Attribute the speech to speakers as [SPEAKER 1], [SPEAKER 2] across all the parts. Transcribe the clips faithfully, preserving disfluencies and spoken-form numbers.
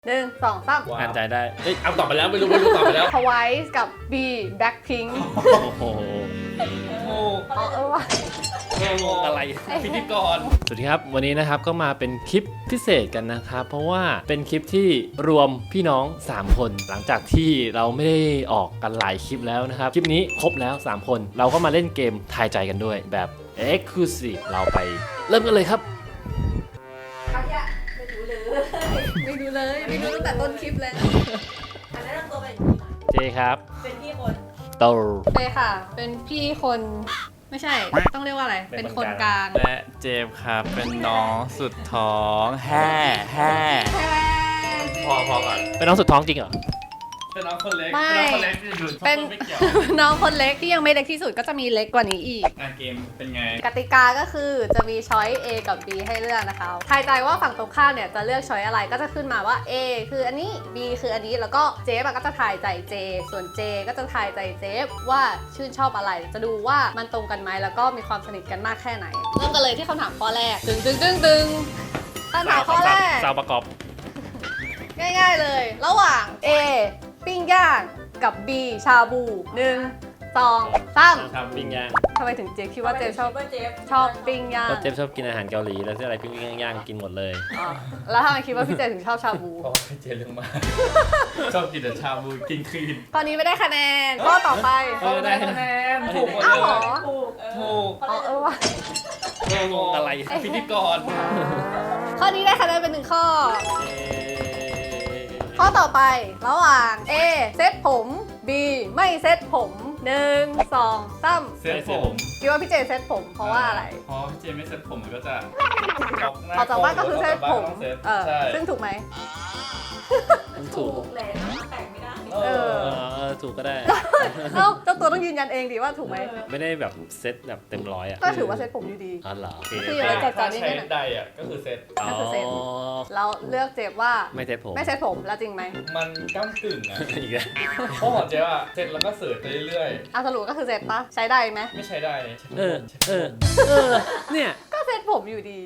[SPEAKER 1] หนึ่งสองสาม
[SPEAKER 2] อ่านใจได้เฮ้ย
[SPEAKER 3] เอาตอบไปแล้วไม่รู้ไม่รู้ตอบไปแล้ว
[SPEAKER 1] ทวายกับ B Blackpink
[SPEAKER 2] โอ้โห
[SPEAKER 3] โอ้
[SPEAKER 1] อ๋อเออว่ะ
[SPEAKER 2] งงอะไร
[SPEAKER 3] พิธีกร
[SPEAKER 2] สวัสดีครับวันนี้นะครับก็มาเป็นคลิปพิเศษกันนะครับเพราะว่าเป็นคลิปที่รวมพี่น้องสามคนหลังจากที่เราไม่ได้ออกกันหลายคลิปแล้วนะครับคลิปนี้ครบแล้วสามคนเราก็มาเล่นเกมทายใจกันด้วยแบบ Exclusive เราไปเริ่มกันเลยครับ
[SPEAKER 1] ไม่รู้เลยไม่รู้เลยไม่รู้ตั้งแต่ต้นคลิปเลย
[SPEAKER 4] อันนั้นเราตัวเป็น
[SPEAKER 2] เจครับ
[SPEAKER 4] เป็นพี่คน
[SPEAKER 2] โต
[SPEAKER 1] เลยค่ะ เป็นพี่คนไม่ใช่ต้องเรียกว่าอะไรเป็นคนกลาง
[SPEAKER 5] และเจมส์ครับเป็นน้องสุดท้องแห่แห่
[SPEAKER 3] พอพอก่อน
[SPEAKER 2] เป็นน้องสุดท้องจริงเหรอ
[SPEAKER 3] เป็นน้องคนเล็ก
[SPEAKER 1] ไม่
[SPEAKER 3] เป็นน้องคนเล็กที่ดูชอบ
[SPEAKER 1] เป็น
[SPEAKER 3] ไม่เกี่ยว
[SPEAKER 1] น้องคนเล็กที่ยังไม่เล็กที่สุดก็จะมีเล็กกว่านี้อีก
[SPEAKER 3] งานเกมเป็นไง
[SPEAKER 1] กติกาก็คือจะมีช้อย A กับ B ให้เลือกนะคะทายใจว่าฝั่งตรงข้ามเนี่ยจะเลือกช้อยอะไรก็จะขึ้นมาว่า A คืออันนี้ B คืออันนี้แล้วก็เจฟก็จะทายใจเจส่วน J ก็จะทายใจเจฟว่าชื่นชอบอะไร จะดูว่ามันตรงกันไหมแล้วก็มีความสนิทกันมากแค่ไหนเริ่มกันเลยที่คำถามข้อแรกดึงดึงดึงดึงคำถามข้อแรก
[SPEAKER 2] สาวประกอบ
[SPEAKER 1] ง่ายๆเลย ระหว่าง A ปิ้งย่างกับ B ชาบูหนึ่งสองสาม
[SPEAKER 2] ทำปิ้งย่าง
[SPEAKER 1] ทำไมถึงเจฟคิดว่าเจฟชอบ
[SPEAKER 4] ว่าเจฟ
[SPEAKER 1] ชอบปิ้งย่าง
[SPEAKER 2] ก็เจฟชอบกินอาหารเกาหลีแล้วที่อะไรปิ้งย่างๆกินหมดเลย
[SPEAKER 1] อ๋อแล้วทำไมคิดว่าพี่เจถึงชอบชาบู
[SPEAKER 3] เพราะว่าพี่เจเรื่องมาก ชอบกินแต่ชาบูกินคลีน
[SPEAKER 1] ตอนนี้ไม่ได้คะแนนข้อต่อไป
[SPEAKER 2] เออได้
[SPEAKER 3] คะแนนถูกหมด
[SPEAKER 1] อ้าวเหร
[SPEAKER 3] เล
[SPEAKER 1] อ
[SPEAKER 3] ย
[SPEAKER 4] ถูกเออ
[SPEAKER 3] ถูก
[SPEAKER 1] อ๋อเออว่ะ
[SPEAKER 2] งงอะไร
[SPEAKER 3] พิธีกร
[SPEAKER 1] ข้อนี้ได้คะแนนเป็นหนึ่งข้อ ข้อต่อไประหว่าง A เซ็ตผม B ไม่เซ็ตผมหนึ่งสองสาม
[SPEAKER 3] เซ็ตผม
[SPEAKER 1] คิดว่าพี่เจเซ็ตผมเพราะว่าอะไร
[SPEAKER 3] เพราะพี่เจไม่เซ็ตผมมันก็จะออกหน้า
[SPEAKER 1] ออกจากบ้านก็คือเซ็ตผม
[SPEAKER 3] ออกจากบ้านก็ต้องเซ็ต
[SPEAKER 1] เออ
[SPEAKER 3] ใช่
[SPEAKER 1] ซึ่งถูกไหม
[SPEAKER 2] ถู
[SPEAKER 4] ถู
[SPEAKER 2] ก
[SPEAKER 4] กแหละแต่งไม่ได้
[SPEAKER 3] เอ
[SPEAKER 1] เอ
[SPEAKER 3] อ
[SPEAKER 1] อ
[SPEAKER 2] เออถูกก็ได้
[SPEAKER 1] เอ้าเจ้าตัวต้องยืนยันเองดิว่าถูกไหม
[SPEAKER 2] ไม่ได้แบบเซ็ตแบบเต็มร้อยอ่ะ
[SPEAKER 1] ก็ถือว่าเซ็ตผมอยู่ดี
[SPEAKER 2] อ๋อเหรอโอเค
[SPEAKER 1] คือ ไม่แจกจ่ายนิดนึ
[SPEAKER 3] ใช้
[SPEAKER 1] งอะ
[SPEAKER 3] ใดอ่ะก็คือเซ็ต
[SPEAKER 1] ก็คือเซ็ต
[SPEAKER 2] อ๋อ
[SPEAKER 1] แล้วเลือกเจฟว่า
[SPEAKER 2] ไม่เซ็ตผม
[SPEAKER 1] ไม่เซ็ตผมแล้วจริงไหม
[SPEAKER 3] มันก้ากึ่งอ่ะ
[SPEAKER 2] อีกแล้ว
[SPEAKER 3] เพราะของเจ๊อ่ะเซ็ตแล้วก็เสิร์ชไปเรื่อย
[SPEAKER 1] อ่ะสรุปก็คือเซ็ตปะใช้ได้ไหม
[SPEAKER 3] ๆ ไม่ใช้ได้
[SPEAKER 2] เออเออเออเนี่ย
[SPEAKER 1] ก็เซ็ตผมอยู่ดี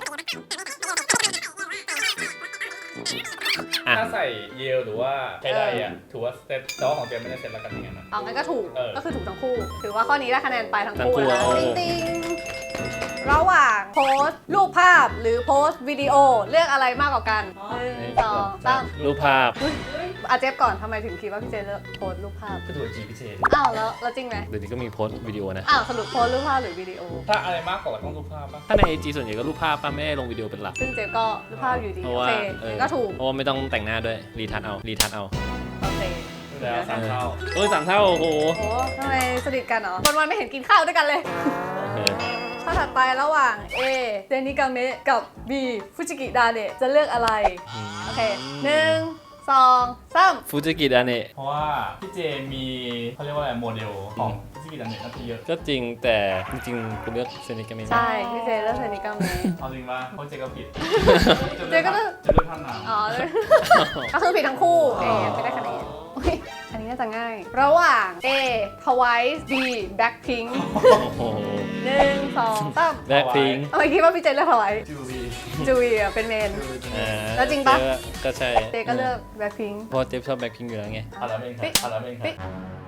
[SPEAKER 2] อ่ะ
[SPEAKER 3] ถ้าใส่เยลหรือว่าใช้ได้อ่ะถือว่าเซ็ตแต่ว่าของเจ๊ไม่ได้เซ็ตแล้วกันยังไงนะ
[SPEAKER 1] เอางั้นก็ถูก
[SPEAKER 3] เออ
[SPEAKER 1] ก็คือถูกทั้งคู่ ถือว่าข้อนี้ได้คะแนนไปทั้งคู่
[SPEAKER 2] ทั้งคู่
[SPEAKER 1] นะ
[SPEAKER 2] เอา
[SPEAKER 1] ติ๊งติ๊งระหว่างโพสต์รูปภาพหรือโพสต์วิดีโอเลือกอะไรมากกว่ากันหนึ่งสองสาม
[SPEAKER 2] รูปภาพ
[SPEAKER 1] อาเจฟก่อนทำไมถึงคิดว่าพี่เจเลือกโพสต์รูปภาพ
[SPEAKER 3] ก็ตัวจีพี่เจ
[SPEAKER 1] อ้าวแล้วแล้วจริงไหม
[SPEAKER 2] เดี๋ยวนี้ก็มีโพสต์วิดีโอนะ
[SPEAKER 1] อ้าวสรุปโพสต์รูปภาพหรือวิดีโอ
[SPEAKER 3] ถ้าอะไรมากกว่าต้องรูปภาพป่ะ
[SPEAKER 2] ถ้าในไอจีส่วนใหญ่ก็รูปภาพป้าไม่ได้ลงวิดีโอเป็นหลัก
[SPEAKER 1] ซึ่งเจฟก็รูปภาพอยู่ดี
[SPEAKER 2] เพราะ
[SPEAKER 1] โอ
[SPEAKER 2] ว่า
[SPEAKER 1] เค
[SPEAKER 2] เออ
[SPEAKER 1] ก็ถูก
[SPEAKER 2] เพราะว่าไม่ต้องแต่งหน้าด้วยรีทัชเอารีทัชเอา
[SPEAKER 1] โอเค
[SPEAKER 3] แล้วสามเท่า
[SPEAKER 2] เออสามเท่าโอ้โห
[SPEAKER 1] โอ้ทำไมสนิทกันเหรอวันวันๆไม่เห็นกินข้าวด้วยกันเลย
[SPEAKER 2] เออ
[SPEAKER 1] ข้อถัดไประหว่าง A เซนิกาเมะกับ B ฟูจิกิดาเนะจะเลือกอะไร โอเคหนึ่งสองสาม
[SPEAKER 2] ฟูจิกิดาเนะ
[SPEAKER 3] เพราะว่าพี่เจมีเขาเรียกว่าอะไรโมเดลของที่กินอันเน็ตน่าจะเยอะ
[SPEAKER 2] ก็จริงแต่จริงๆกูเลือกเซนิกามิ
[SPEAKER 1] ใช่ พี่เจเลือกเซนิกาเมะ
[SPEAKER 3] เอาจริงป่ะเพราะเจก็ผิด
[SPEAKER 1] เจก็เลือก
[SPEAKER 3] จะเลือกท่านน้ำ
[SPEAKER 1] อ๋อ ก็คือผิดทั้งคู่เอไม่ได้คะแนนอุ๊ยอันนี้น่าจะง่าย ระหว่าง A Twice B Blackpink
[SPEAKER 2] โอ้โห
[SPEAKER 1] หนึ่งสองสาม
[SPEAKER 2] แบ็คพิง
[SPEAKER 1] ทำไมคิดว่าพี่เจเลือก Twice
[SPEAKER 3] จูบี
[SPEAKER 1] จูเวียเป็นเมน แล้วจริงปะ
[SPEAKER 2] ก็ใช่
[SPEAKER 1] เจก็เลือก Blackpink
[SPEAKER 2] เพราะเจฟชอบแบ็คพิงอยู่แล้วไง
[SPEAKER 3] เอาละเองครับเอาละเองค
[SPEAKER 1] ปิ๊
[SPEAKER 3] รับ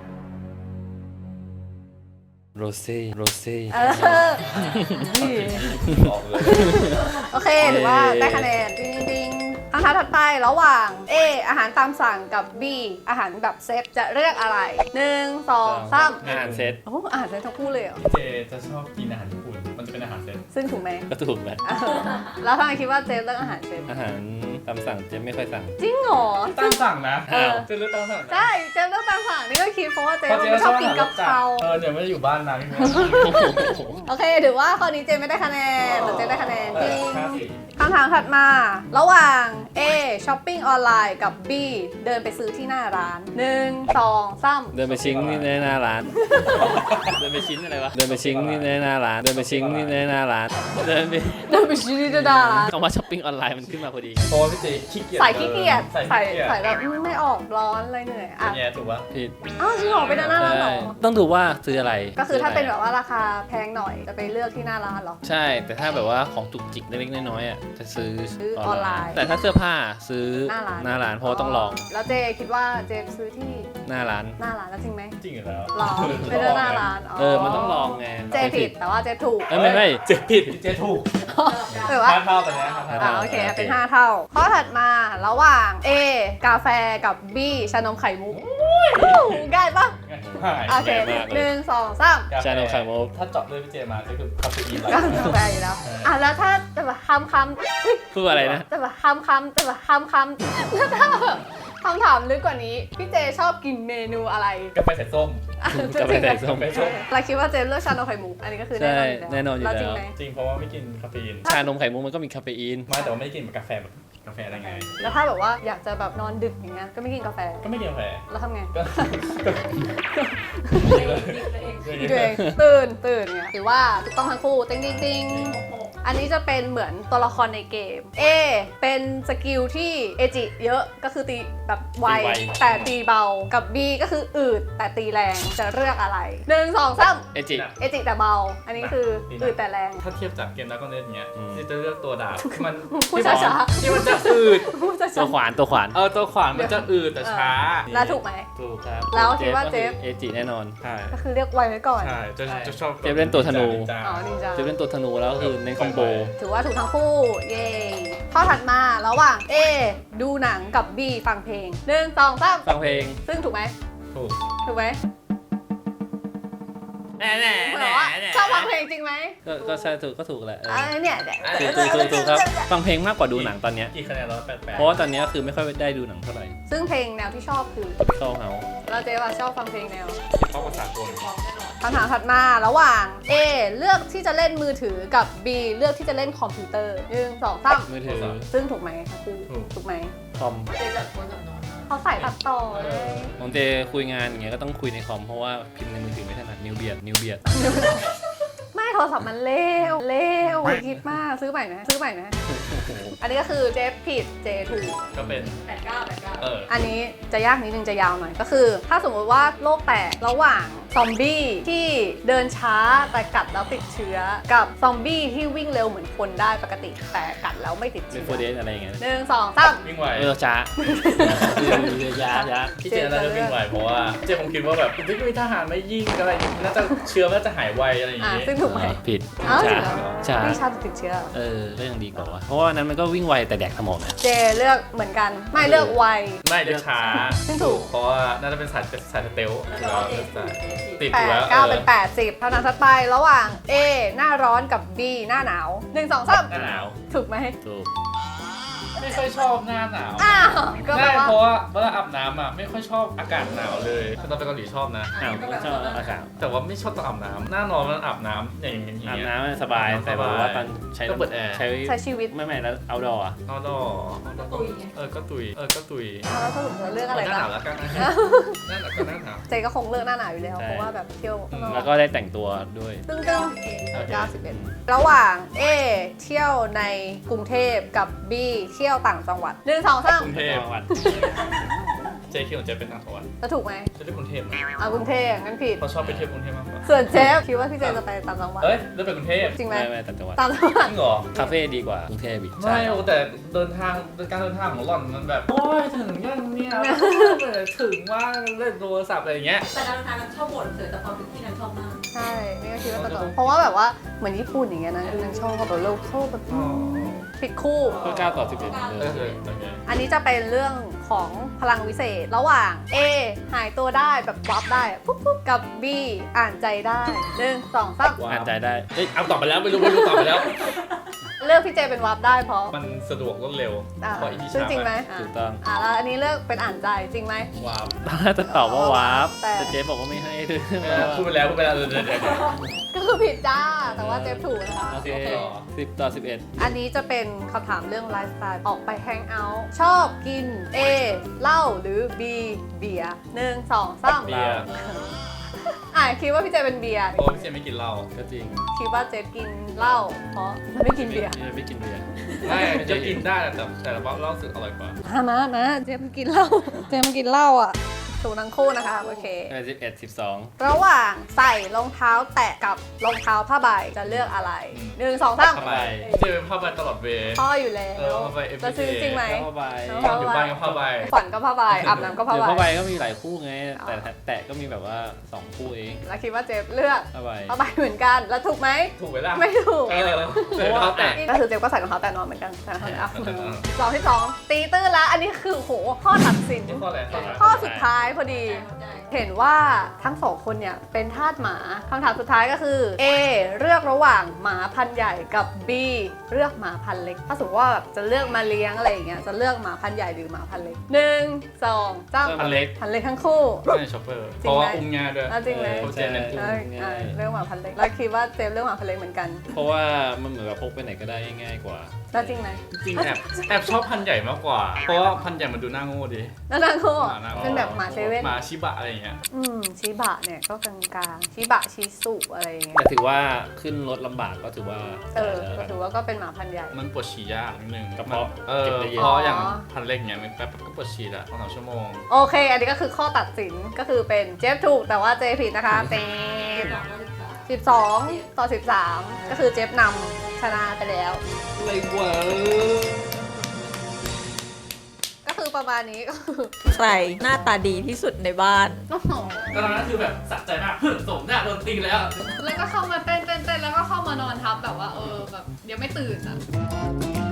[SPEAKER 2] โรเซ่โรเซ่
[SPEAKER 1] เออ
[SPEAKER 3] ออกเลย
[SPEAKER 1] โอเคถือว่าได้คะแนนดิงดิงคำถามถัดไประหว่าง A อาหารตามสั่งกับ B อาหารแบบเซตจะเลือกอะไรหนึ่งสองสาม
[SPEAKER 2] อาหารเซต
[SPEAKER 1] โอ้อาหารเซตทั้งคู่เลยเหรอ
[SPEAKER 3] พี่เจจะชอบกินอาหารญี่ปุ่นมันจะเป็นอาหารเซต
[SPEAKER 1] ซึ่งถูกไหม
[SPEAKER 2] ก็ถูกแหละ
[SPEAKER 1] เออแล้วทำไมคิดว่าเจเลือกอาหารเซต
[SPEAKER 2] อาหารตามสั่งเจฟไม่ค่อยสั่ง
[SPEAKER 1] จริงเหรอ
[SPEAKER 3] ตามสั่งนะ
[SPEAKER 2] อ้าว
[SPEAKER 3] เจเลือกตามสั่งนะ
[SPEAKER 1] ใช่เจเลือกตามสั่งนี่ก็คิดเพราะว่าเจ
[SPEAKER 3] เพราะเจ
[SPEAKER 1] ไม่ชอบกินกะเพรา
[SPEAKER 3] เออเดี๋ยวไม่ได้อยู่บ้านนานพี่แม่
[SPEAKER 1] โอเคถือว่าข้อนี้เจไม่ได้คะแนนแต่เจได้คะแนนจริง
[SPEAKER 3] ห้าสี่
[SPEAKER 1] คำถามถัดมา ระหว่าง A ช้อปปิ้งออนไลน์กับ B เดินไปซื้อที่หน้าร้านหนึ่งสองสาม
[SPEAKER 2] เดินไปชิงนี่ในหน้าร้าน เดินไปชิ้นอะไรวะ เดินไปชิงนี่ในหน้าร้าน เดินไปชิงนี่ในหน้าร้านานเดินไป
[SPEAKER 1] เดินไปชี้ที่หน้าร้าน
[SPEAKER 2] คำว่าช้อปปิ้งออนไลน์มันขึ้นมาพอดี
[SPEAKER 3] เพราะว่าพี่เจขี้เกียจ
[SPEAKER 1] ใส่ขี้เกียจ
[SPEAKER 3] ใส่
[SPEAKER 1] ใส่
[SPEAKER 3] ขี้เกียจ
[SPEAKER 1] ใส่แบบอืมไม่ออกร้อนอะไรเหนื่อยอ่ะ
[SPEAKER 3] เนี่ยถูกปะ
[SPEAKER 2] ผิด
[SPEAKER 1] อ้าวจริงเหรอไปหน้าร้านเหรอ
[SPEAKER 2] ต้องดูว่าซื้ออะไร
[SPEAKER 1] ก็คือถ้าเป็น
[SPEAKER 2] ซื้
[SPEAKER 1] แบบว่าราคาแพงหน่อยจะไปเลือกที่หน้าร้านเหรอ
[SPEAKER 2] ใช่แต่ถ้าแบบว่าของจุกจิกเล็กๆน้อยๆอ่ะจะซื้อ
[SPEAKER 1] ซื้อออนไลน์
[SPEAKER 2] แต่ถ้าเสื้อผ้าซื้อ
[SPEAKER 1] หน้าร้าน
[SPEAKER 2] หน้าร้านเพราะว่าต้องลอง
[SPEAKER 1] แล้วเจคิดว่าเจซื้อที่
[SPEAKER 2] หน้าร้าน
[SPEAKER 1] หน้าร้านแล้วจริงไหม
[SPEAKER 3] จริงอยู่แล้ว
[SPEAKER 1] หรอไปเลือกหน้าร้าน
[SPEAKER 2] เออมันต้องลองไง
[SPEAKER 1] เจผิดแต่ว่าเจถูก
[SPEAKER 2] เอ้ยไม่ไม่
[SPEAKER 3] เจผิดเจถูก
[SPEAKER 1] แต่ว่า
[SPEAKER 3] ห้าเท่าตอนนี้ห้า
[SPEAKER 1] อ่า
[SPEAKER 3] เท่า
[SPEAKER 1] โอเคเป็นห้าเท่าข้อถัดมาระหว่าง A กาแฟกับ B ชานมไข่มุกง่ายปะ
[SPEAKER 3] หาย
[SPEAKER 1] โอเคหนึ่งสองสาม
[SPEAKER 2] ชานมไข่มุก
[SPEAKER 3] ถ้าเจาะเลยพี่เจมาก็คือคาเฟอีน
[SPEAKER 1] ก็กาแฟอยู่แล้ว อ่ะแล้วถ้าจะแบบคำคำอุ๊ย
[SPEAKER 2] พูดอะไรนะ
[SPEAKER 1] จะแบบคำคำจะแบบคำคำแล้วถ้าแบบคำถามลึกกว่านี้ พี่เจชอบกินเมนูอะไร
[SPEAKER 3] กาแฟใส่ส้ม
[SPEAKER 1] อ่ะ
[SPEAKER 2] กาแฟใส่ส้ม
[SPEAKER 3] กาแฟส้ม
[SPEAKER 1] เราคิดว่าเจเลือกชานมไข่มุกอันนี้ก็คือแน่นอนอยู่แล้ว
[SPEAKER 2] ใช่แน่นอนอยู่แล้ว
[SPEAKER 1] จริงไหม
[SPEAKER 3] จริงเพราะว่าไม่กินคาเฟอีน
[SPEAKER 2] ชานมไข่มุกมันก็มีคาเฟอีน
[SPEAKER 3] ไม่แต่ว่าไม่ได้กินแบบกาแฟแบบกาแฟอะไรไง
[SPEAKER 1] แล้วถ้าแบบว่าอยากจะแบบนอนดึกอย่างเงี้ยก็ไม่กินกาแฟ
[SPEAKER 3] ก็ไม่กินกาแฟ
[SPEAKER 1] แล้วทำไง
[SPEAKER 3] ก็
[SPEAKER 1] ดีตัวเองตื่นตื่นเนี่ยถือว่าถูกต้องทั้งคู่ติ้งติ้งติ้งอันนี้จะเป็นเหมือนตัวละครในเกม A เป็นสกิลที่เอจิเยอะก็คือตีแบบไว
[SPEAKER 2] ตีไว
[SPEAKER 1] แต่ตีเบากับ B ก็คืออืดแต่ตีแรงจะเลือกอะไรหนึ่งสองสาม
[SPEAKER 2] เอจิ
[SPEAKER 1] เอจิแต่เบา อันนี้คืออืดแต่แรง
[SPEAKER 3] ถ้าเทียบจากเกมนักก็เล่นเงี้ย
[SPEAKER 2] อืม
[SPEAKER 3] ที่จะเลือกตัวดาบมัน
[SPEAKER 1] พูดช้าๆ
[SPEAKER 3] ที่มันจะอืด
[SPEAKER 1] พูดจะ
[SPEAKER 2] ตัวขวานตัวขวาน
[SPEAKER 3] เออตัวขวานมันจะอืดแต่ช้า
[SPEAKER 1] แล้วถูกไหม
[SPEAKER 2] ถูกครับ
[SPEAKER 1] แล้วคิดว่าเจฟ
[SPEAKER 2] เอจิแน่นอน
[SPEAKER 3] ใช่
[SPEAKER 1] ก็คือเรียกไวไว้ก่อน
[SPEAKER 3] ใช่จะจะชอบ
[SPEAKER 2] เจฟเล่นตัวธนู
[SPEAKER 1] อ๋อนินจา
[SPEAKER 2] จะเป็นตัวธนูแล้วก็คือในคอมโบ
[SPEAKER 1] ถือว่าถูกทั้งคู่ เย้ข้อถัดมาระหว่าง A ดูหนังกับ B ฟังเพลงหนึ่งสองสาม
[SPEAKER 2] ฟังเพลง
[SPEAKER 1] ซึ่งถูกไหม
[SPEAKER 3] ถูก
[SPEAKER 1] ถูกไหม
[SPEAKER 2] แน่แน่
[SPEAKER 1] เหมือนว่าชอบฟังเพลงจริงไหม
[SPEAKER 2] ก็ก็ใช่ถูกก็ถูกแหละเออ
[SPEAKER 1] อ่าเนี่ยเนี่ย
[SPEAKER 2] ถูกถูกถูกถูกครับฟังเพลงมากกว่าดูหนังตอนเนี้ย
[SPEAKER 3] กี่คะแนนร้อยแปดแปด
[SPEAKER 2] เพราะว่าตอนเนี้ยคือไม่ค่อยได้ดูหนังเท่าไหร่
[SPEAKER 1] ซึ่งเพลงแนวที่ชอบคือ
[SPEAKER 2] เข้าเฮา
[SPEAKER 1] เราเจ๊ว่าชอบฟังเพลงแนว
[SPEAKER 3] เพราะภาษากล
[SPEAKER 1] คำถามถัดมาระหว่าง A เลือกที่จะเล่นมือถือกับ B เลือกที่จะเล่นคอมพิวเตอร์หนึ่งสองสาม
[SPEAKER 2] มือถือ
[SPEAKER 1] ซึ่งถูกไหมคะคือถูกไหม
[SPEAKER 2] คอม
[SPEAKER 4] เจจัดคนจับนอน
[SPEAKER 1] เขาใส่ตัดต่อเลย
[SPEAKER 2] บางเจคุยงานอย่างเงี้ยก็ต้องคุยในคอมเพราะว่าพิมพ์ในมือถือไม่ถนัดนิ้วเบียดนิ้วเบียด
[SPEAKER 1] ไม่โทรศัพท์มันเร็วเร็วคิดมากซื้อใหม่ไหมซื้อใหม่ไหมอันนี้ก็คือเจฟผิดเจถูก
[SPEAKER 3] ก็เป็น
[SPEAKER 4] แปดเก้าแปดเก้า
[SPEAKER 3] เออ
[SPEAKER 1] อันนี้จะยากนิดนึงจะยาวหน่อยก็คือ ถ้าสมมติว่าโลกแตกระหว่างซอมบี้ที่เดินช้าแต่กัดแล้วติดเชื้อ กับซอมบี้ที่วิ่งเร็วเหมือนคนได้ปกติแต่กัดแล้วไม่ติด
[SPEAKER 2] เป็น
[SPEAKER 1] เชื้อ
[SPEAKER 2] โฟเดสอะไรอย่างเงี้ย
[SPEAKER 1] หนึ่งสองสาม
[SPEAKER 3] วิ่งไว
[SPEAKER 2] เออช้าเออยาช้า
[SPEAKER 3] พี่เจน่าจะวิ่งไวเพราะว่าเจคงคิดว่าแบบไม่มีทหารไม่ยิงอะไรน่าจะเชื้อน่าจะหายไวอะไรอย่าง
[SPEAKER 1] อ่ะ
[SPEAKER 3] งี้
[SPEAKER 1] ซึ่งถูกไหม
[SPEAKER 2] ผิด
[SPEAKER 1] อ้าว
[SPEAKER 2] ช้า
[SPEAKER 1] จริงเหรอ
[SPEAKER 2] ช้า
[SPEAKER 1] วิ่งช้าแต่ติดเชื้อ
[SPEAKER 2] เออก็ยังดีกว่าว่ะเพราะว่านั้นมันก็วิ่งไวแต่แดกสมองนะ
[SPEAKER 1] เจเลือกเหมือนกันไม่เลือกไว
[SPEAKER 3] ไม่จะช้า
[SPEAKER 1] ซึ่งถูก
[SPEAKER 3] เพราะว่าน่าจะเป็นสายสายสเตล
[SPEAKER 4] แล้วก็เจสิบ
[SPEAKER 3] ติด
[SPEAKER 1] แป
[SPEAKER 3] อยู่
[SPEAKER 1] ด
[SPEAKER 3] แล้ว
[SPEAKER 1] เก้าเป็นแปดสิบเท่านั้นถัดไประหว่าง A หน้าร้อนกับ B หน้าหนาวหนึ่งสองสาม
[SPEAKER 3] หน้าหนาว
[SPEAKER 1] ถูกไหม
[SPEAKER 2] ถูก
[SPEAKER 3] ไม่ค่อยชอบหน้าหนาว
[SPEAKER 1] อ้าวก็แปล
[SPEAKER 3] ใช่
[SPEAKER 1] ว่า
[SPEAKER 3] เพราะว่าเวลาอาบน้ำอ่ะไม่ค่อยชอบอากาศหนาวเลยคือตอนไปเกาหลีชอบนะ
[SPEAKER 2] อ้าวไม่ชอบอากาศ
[SPEAKER 3] แต่ว่าไม่ชอบตอนอาบน้ำหน้านอนมันอาบน้ำอย่างอย่าง
[SPEAKER 2] อาบ
[SPEAKER 3] เงี้ย
[SPEAKER 2] น้ำสบาย
[SPEAKER 3] อาบน้ำ
[SPEAKER 2] แต่แบบว่า
[SPEAKER 3] สบาย
[SPEAKER 2] ตอนใช้
[SPEAKER 3] ก็เปิดแอร์
[SPEAKER 2] ใช้
[SPEAKER 1] ใช้ชีวิต
[SPEAKER 2] ไม่ไม่แล้วเอาดออ่ะ
[SPEAKER 3] นอนดอ
[SPEAKER 4] ก็ตุยไง
[SPEAKER 3] เออก็ตุยเออก็ตุย
[SPEAKER 1] แล้วสรุปเราเลือกอะไร
[SPEAKER 3] หน้าห
[SPEAKER 1] บ้า
[SPEAKER 3] นาง วแล้วกันนะหน้าหนาวก็หน้าหนาว
[SPEAKER 1] เจก็คงเลือกหน้าหนาวอยู่แล้ว
[SPEAKER 2] ใช่
[SPEAKER 1] เพราะว่าแบบเที่ยวข้างนอ
[SPEAKER 2] แล้วก็ได้แต่งตัวด้วย
[SPEAKER 1] ตึ้งตึ้ง
[SPEAKER 3] โอเค
[SPEAKER 1] เก้าสิบเอ็ดระหว่าง A เที่ยวในกรุงเทพกับ B เที่ยวต่างจังหวัดหนึ่งสองสาม
[SPEAKER 3] กรุงเทพ
[SPEAKER 2] จังหวัด
[SPEAKER 3] เจคิดของเจเป็นต่างจังหวัด
[SPEAKER 1] จะถูกไหม
[SPEAKER 3] จะเลือกกรุงเทพนะ
[SPEAKER 1] อ่ากรุงเทพงั้นผิด
[SPEAKER 3] เขาชอบไปเที่ยวกรุงเทพมากกว่า
[SPEAKER 1] ส่วนเจฟคิดว่าพี่เจจะไปต่างจังหวัด
[SPEAKER 3] เอ้ยเลือกไปกรุงเทพ
[SPEAKER 1] จริงไหม
[SPEAKER 2] ไม่ไม่ต่างจังหวัด
[SPEAKER 1] ต่างจังหวัด
[SPEAKER 3] จริงเหรอ
[SPEAKER 2] คาเฟ่ดีกว่ากรุงเทพอีก
[SPEAKER 3] ไม่โอ้แต่เดินทางการเดินทางของหล่อนมันแบบโอ้ยถึงยังเนี่ยถึงว่าเล่นโทรศัพท์อะไรอย่างเงี้ย
[SPEAKER 4] แต่การเดินทางนั้นชอบบ่นเสือแต่ความเป็นที่นั้นชอบมาก
[SPEAKER 1] ใช่นี่ก็คิดว่าต่างจังหวัดเพราะว่าแบบว่าเหมือนญี่ปุ่นอย่างเงี้ยนะคือนางชอบแบบโลโก้แบบ
[SPEAKER 3] อ๋อ
[SPEAKER 1] ผิดคู่
[SPEAKER 2] ก็เก้าต่อสิบเอ็ดเหมือน
[SPEAKER 3] เอ
[SPEAKER 2] เดิ
[SPEAKER 3] อ
[SPEAKER 2] ม
[SPEAKER 3] เออโอเค
[SPEAKER 1] อันนี้จะเป็นเรื่องของพลังวิเศษ ระหว่าง A หายตัวได้แบบวับได้ปุ๊บปุ๊บกับ B อ่านใจได้หนึ่งสองสาม
[SPEAKER 2] อ่านใจได้เอ้ย
[SPEAKER 3] เอาตอบไปแล้วไม่รู้ไม่รู้ตอบไปแล้ว
[SPEAKER 1] เลือกพี่เจเป็นวับได้เพราะ
[SPEAKER 3] มันสะดวกรวดเร็ว
[SPEAKER 1] อ่า
[SPEAKER 3] เพราะอีที่
[SPEAKER 1] ซึ่ง
[SPEAKER 3] ช้า
[SPEAKER 1] จริงไหมอ่า
[SPEAKER 2] ถูกต้อง
[SPEAKER 1] อ่าแล้วอันนี้เลือกเป็นอ่านใจจริงไหม
[SPEAKER 3] ว้าว
[SPEAKER 2] ตอนแรกจะตอบว่าวาร์ป
[SPEAKER 1] แต่
[SPEAKER 2] แต่เจ๊บอกว่าไม่ให้ด้วย
[SPEAKER 3] เออพูดไปแล้วพูดไปแล้วเดี๋ยวเดี๋ยวเดี๋ยว
[SPEAKER 1] ก็คือผิดจ้า แต่ว่าเจฟถูกนะคะ
[SPEAKER 2] โอเค
[SPEAKER 1] โอเค
[SPEAKER 2] สิบต่อสิบเอ็ด
[SPEAKER 1] อันนี้จะเป็นคำถามเรื่องไลฟ์สไตล์ออกไปแฮงเอาท์ชอบกิน A เหล้าหรือ B เบียร์หนึ่งสองสาม
[SPEAKER 3] เบียร์
[SPEAKER 1] อ่ะคิดว่าพี่เจเป็นเบียร์
[SPEAKER 3] โอ้พี่เจไม่กินเหล้า
[SPEAKER 2] ก็จริง
[SPEAKER 1] คิดว่าเจกินเหล้าเพราะไม่กินเบียร์
[SPEAKER 2] พี่ไม่กินเบียร์
[SPEAKER 3] ไม่จะกินได้แต่แต่ละเหล้าสึกอร่อยกว่า
[SPEAKER 1] มามามาเจมกินเหล้าเจมกินเหล้าอ่ะถูกทั้งคู่นะคะโอเค
[SPEAKER 2] สิบเอ็ดสิบสอง
[SPEAKER 1] ระหว่างใส่รองเท้าแตะกับรองเท้าผ้าใบจะเลือกอะไรหนึ่งสองสาม
[SPEAKER 3] ผ้าใบพี่เจเป็นผ้าใบตลอดเวย์
[SPEAKER 1] พ่ออยู่แล้ว
[SPEAKER 3] เออผ้าใบ everyday
[SPEAKER 1] จะซื้อจริงไหม
[SPEAKER 2] ผ้าใบ
[SPEAKER 3] ตอนอยู่บ้านก็ผ้าใบ
[SPEAKER 1] ฝันก็ผ้าใบอาบน้ำก็ผ้า
[SPEAKER 2] เดี๋ยวผ้า
[SPEAKER 1] ใบ
[SPEAKER 2] ใบก็มีหลายคู่ไง แต่แตะก็มีแบบว่าสองคู่เอง
[SPEAKER 1] แล้วคิดว่าเจฟเลือก
[SPEAKER 2] ผ้าใบ
[SPEAKER 1] ผ้าใบเหมือนกันแล้วถูกไหม
[SPEAKER 3] ถูกไหมล่ะ
[SPEAKER 1] ไม่ถูก
[SPEAKER 3] เออใส่รองเท้าแตะ
[SPEAKER 1] ก็คือเจฟก็ใส่รองเท้าแตะนอนเหมือนกันใส่รองเท้าแตะอ่ะ
[SPEAKER 3] เออ
[SPEAKER 1] สองที่สองตีตื้นแล้วอันนี้คือโหข้อตัดสิน
[SPEAKER 3] นี่ข้ออะไรข้ออะไร
[SPEAKER 1] ข้อสุดท้ายพอดี เห็นว่าทั้งสองคนเนี่ยเป็นทาสหมาคำถามสุดท้ายก็คือ A เลือกระหว่างหมาพันธุ์ใหญ่กับ B เลือกหมาพันธุ์เล็กถ้าสมมติว่าแบบจะเลือกมาเลี้ยงอะไรอย่างเงี้ยจะเลือกหมาพันธุ์ใหญ่หรือหมาพันธุ์เล็กหนึ่งสองสาม
[SPEAKER 3] อันเล็ก
[SPEAKER 1] พันธุ์เล็กทั้งคู่
[SPEAKER 3] ใช่ช็อปเปอร์
[SPEAKER 1] จริงไหม
[SPEAKER 3] เพราะว่าอุ้มง่ายด้วย
[SPEAKER 1] เอาจริงไหม
[SPEAKER 3] เขาเจนเน้นอุ้ม
[SPEAKER 1] เอ้ยอ่ะเลือกหมาพันธุ์เล็กแล้วคิดว่าเจมเลือกหมาพันธุ์เล็กเหมือนกัน
[SPEAKER 2] เพราะว่ามันเหมือนกับพกไปไหนก็ได้ง่ายกว่า
[SPEAKER 1] แล้วจริงไหม
[SPEAKER 3] จริงแอบแอบชอบพันธุ์ใหญ่มากกว่า เพราะว่าพันธุ์ใหญ่มันดูน่าโง่ดี
[SPEAKER 1] แล้วทั้งคู่
[SPEAKER 3] หมาน่าโง่
[SPEAKER 1] เป็นแบบหมาเซเว่น
[SPEAKER 3] หมาชิบะอะไรอย่างเงี้ย
[SPEAKER 1] อืมชิบะเนี่ยก็กลางๆชิบะชิสุอะไรอย่างเงี้ย
[SPEAKER 2] แต่ถือว่าขึ้นรถลำบากก็ถือว่า
[SPEAKER 1] เออ
[SPEAKER 2] ได้
[SPEAKER 1] ก็
[SPEAKER 2] แล้ว
[SPEAKER 1] ถือว่าก็เป็นหมาพันธุ์ใหญ่
[SPEAKER 3] มันปวดฉี่ยากนิดนึง
[SPEAKER 2] กระเพาะ
[SPEAKER 3] เออ
[SPEAKER 2] เก็บได้เยอะ
[SPEAKER 3] เพราะอย่างพันธุ์เล็กเงี้ยมันแป๊บๆก็ปวดฉี่ละสองสามชั่วโมง
[SPEAKER 1] โอเค อันนี้ก็คือข้อตัดสินก็คือเป็นเจฟถูกแต่ว่าเจผิดนะคะเจฟสิบสองต่อสิบสามก็คือเจฟนำชนะไปแล้ว
[SPEAKER 3] อะไรวะ
[SPEAKER 1] ก็คือประมาณนี้ก็คือ
[SPEAKER 6] ใครหน้าตาดีที่สุดในบ้าน
[SPEAKER 1] โอ้โห
[SPEAKER 3] ตอนนั้นคือแบบสะใจมาก สมหน้าโดนตีแล้ว
[SPEAKER 1] แล้วก็เข้ามาเต้นเต้นเต้นแล้วก็เข้ามานอนทับแบบว่าเออแบบยังไม่ตื่นอ่ะ